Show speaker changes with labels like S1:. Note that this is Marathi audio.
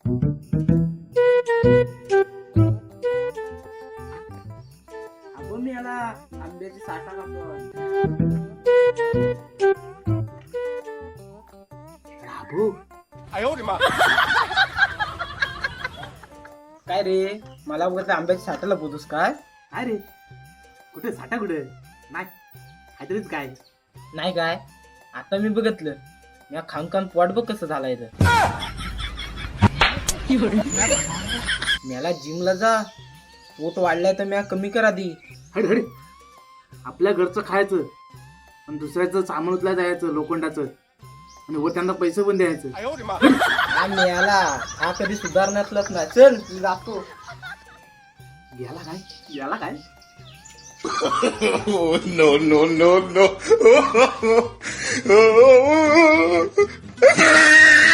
S1: आपण मी याला आंब्याची साठा कापतो. राबू
S2: काय रे, मला बघत आंब्याच्या साठाला बोलतोस काय?
S1: काय रे, कुठे साठा कुठे नाही काहीतरीच काय.
S2: नाही काय, आता मी बघितलं या खांकान पोट बघ कसं झालाय तर. मला जिमला जा, पोट वाढलाय तर म्या कमी करा दी.
S1: हड हड, आपल्या घरचं खायचं आणि दुसऱ्याचं सामान उचला जायचं लोखंडाचं आणि वर त्यांना पैसे पण द्यायचं.
S2: हा मिळाला, हा कधी सुधारण्यातलाच नाही. चल मी जातो.
S1: याला काय याला काय
S3: no, no, no, no.